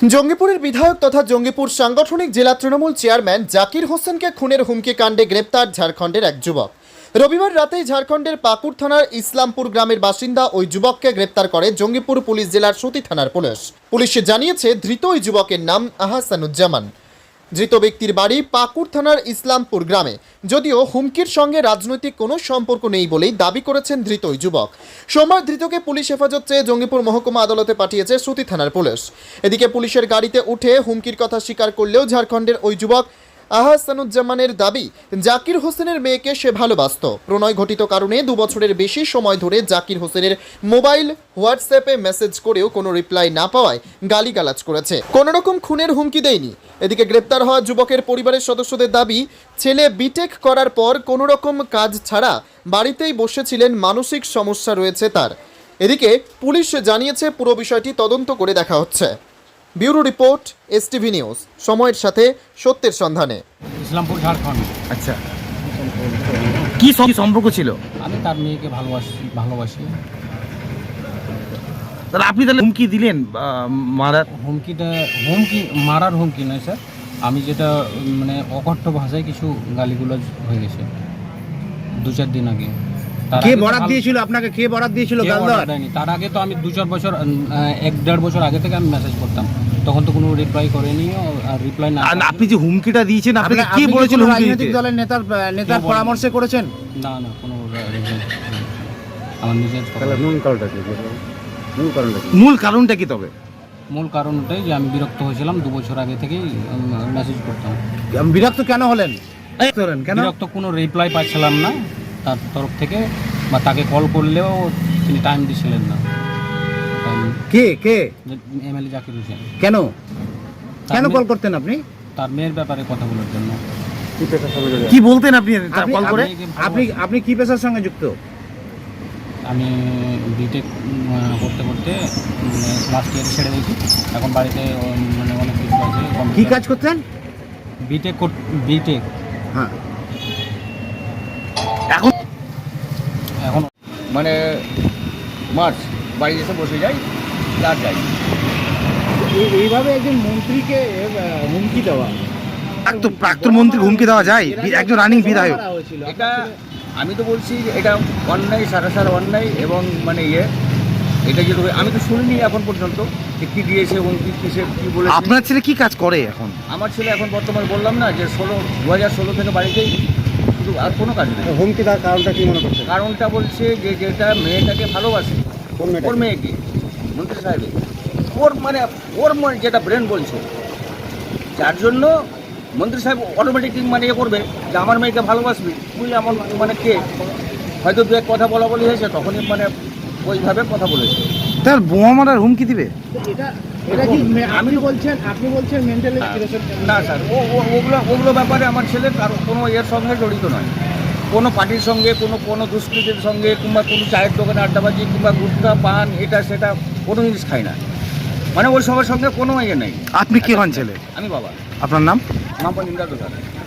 জঙ্গিপুরের বিধায়ক তথা জঙ্গিপুর সাংগঠনিক জেলা তৃণমূল চেয়ারম্যান জাকির হোসেনকে খুনের হুমকি কাণ্ডে গ্রেপ্তার ঝাড়খণ্ডের এক যুবক। রবিবার রাতেই ঝাড়খণ্ডের পাকুর থানার ইসলামপুর গ্রামের বাসিন্দা ওই যুবককে গ্রেপ্তার করে জঙ্গিপুর পুলিশ জেলার সতী থানার পুলিশ। পুলিশে জানিয়েছে ধৃত ওই যুবকের নাম আহসানুজ্জামান। ধৃত ব্যক্তির বাড়ি পাকুর থানার ইসলামপুর গ্রামে। যদিও হুমকির সঙ্গে রাজনৈতিক কোনো সম্পর্ক নেই বলেই দাবি করেছেন ধৃত ওই যুবক। সোমবার ধৃতকে পুলিশ হেফাজত চেয়ে জঙ্গিপুর মহকুমা আদালতে পাঠিয়েছে সতী থানার পুলিশ। এদিকে পুলিশের গাড়িতে উঠে হুমকির কথা স্বীকার করলেও ঝাড়খণ্ডের ওই যুবক আহসানুজ্জামানের দাবি, জাকির হোসেনের মেয়েকে সে ভালোবাসত। প্রণয় ঘটিত কারণে 2 বছরের বেশি সময় ধরে জাকির হোসেনের মোবাইল হোয়াটসঅ্যাপে মেসেজ করেও কোনো রিপ্লাই না পাওয়ায় গালিগালাজ করেছে। কোনো রকম খুনের হুমকি দেয়নি। এদিকে গ্রেপ্তার হওয়া যুবকের পরিবারের সদস্যদের দাবি, ছেলে বিটেক করার পর কোনো রকম কাজ ছাড়া বাড়িতেই বসেছিলেন, মানসিক সমস্যা রয়েছে তার। এদিকে পুলিশ জানিয়েছে পুরো বিষয়টি তদন্ত করে দেখা হচ্ছে। ব্যুরো রিপোর্ট, এসটিভি নিউজ, সময়ের সাথে সত্যের সন্ধানে। ইসলামপুর, ঝাড়খণ্ড। আচ্ছা, কি সম্পর্ক ছিল? আমি তার মেয়েকে ভালোবাসি। তাহলে আপনি তাহলে হুমকি দিলেন মারার? হুমকি মারার হুমকি নয় স্যার, আমি যেটা মানে অকথ্য ভাষায় কিছু গালিগুলোজ হয়ে গেছে 2-4 দিন আগে। কে বরাত দিয়েছিল আপনাকে? কে বরাত দিয়েছিল গাল দেওয়ার? তার আগে তো আমি 2-4 বছর 1-1.5 বছর আগে থেকে আমি মেসেজ করতাম, তখন তো কোনো রিপ্লাই করেনি। আর রিপ্লাই না, আপনি যে হুমকিটা দিয়েছেন আপনাকে কে বলেছিল? রাজনৈতিক দলের নেতার পরামর্শে করেছেন? না কোনো আমার নিজের। মূল কারণটা কি? তবে মূল কারণটাই যে আমি বিরক্ত হয়েছিলাম 2 বছর আগে থেকেই মেসেজ করতাম। বিরক্ত কেন হলেন? কেন বিরক্ত? কোনো রিপ্লাই পাচ্ছিলাম না তার তরফ থেকে, বা তাকে কল করলেও তিনি টাইম দিছিলেন না। কে এমএলএ জাকির হোসেন। কেন কল করতেন আপনি? তার মেয়ের ব্যাপারে কথা বলার জন্য। কি বলতেন আপনি কল করে? আপনি কি পেশার সঙ্গে যুক্ত? আমি বিটেক করতে লাস্ট ইয়ার ছেড়ে দিয়েছি। এখন বাড়িতে মানে অনেক কিছু আছে। কি কাজ করতেন? বিটেক। হ্যাঁ, এখন মানে মার্চ বাড়ি এসে বসে যাই আর যাই। এইভাবে একজন মন্ত্রীকে হুমকি দেওয়া, প্রাক্তন মন্ত্রী হুমকি দেওয়া যায়? একজন রানিং বিধায়ক। এটা আমি তো বলছি এটা অন্যায়, সারা অন্যায়। এবং মানে এটা যেটা আমি তো শুনিনি এখন পর্যন্ত যে কী দিয়েছে এবং কী বলে। আপনার ছেলে কি কাজ করে এখন? আমার ছেলে এখন বর্তমানে বললাম না যে 2016 থেকে বাড়িতেই, শুধু আর কোনো কাজ নেই। হুমকি দেওয়ার কারণটা কি মনে করছেন? কারণটা বলছে যে যেটা মেয়েটাকে ভালোবাসে, ওর মেয়েকে, মন্ত্রী সাহেবের, ওর যেটা ব্রেন বলছে, যার জন্য মন্ত্রী সাহেব অটোমেটিক মানে করবে যে আমার মেয়েকে ভালোবাসবি বুঝলে। আমার মানে কে হয়তো 2 কথা বলি হয়েছে, তখনই মানে ওইভাবে কথা বলেছে। তার বোমা মারার হুমকি দিবে? এটা কি আপনি বলছেন মেন্টালি? না স্যার, ওগুলো ব্যাপারে আমার ছেলে কারো কোনো এর সঙ্গে জড়িত নয়। কোনো পার্টির সঙ্গে, কোনো দুষ্কৃতির সঙ্গে, কিংবা কোনো চায়ের দোকানে আড্ডাবাজি, কিংবা গুটখা পান এটা সেটা কোনো জিনিস খায় না। মানে ওই সবার সঙ্গে কোনো নেই। আপনি কি হন ছেলে? আমি বাবা। আপনার নাম? নাম ইন্দ্রাদ।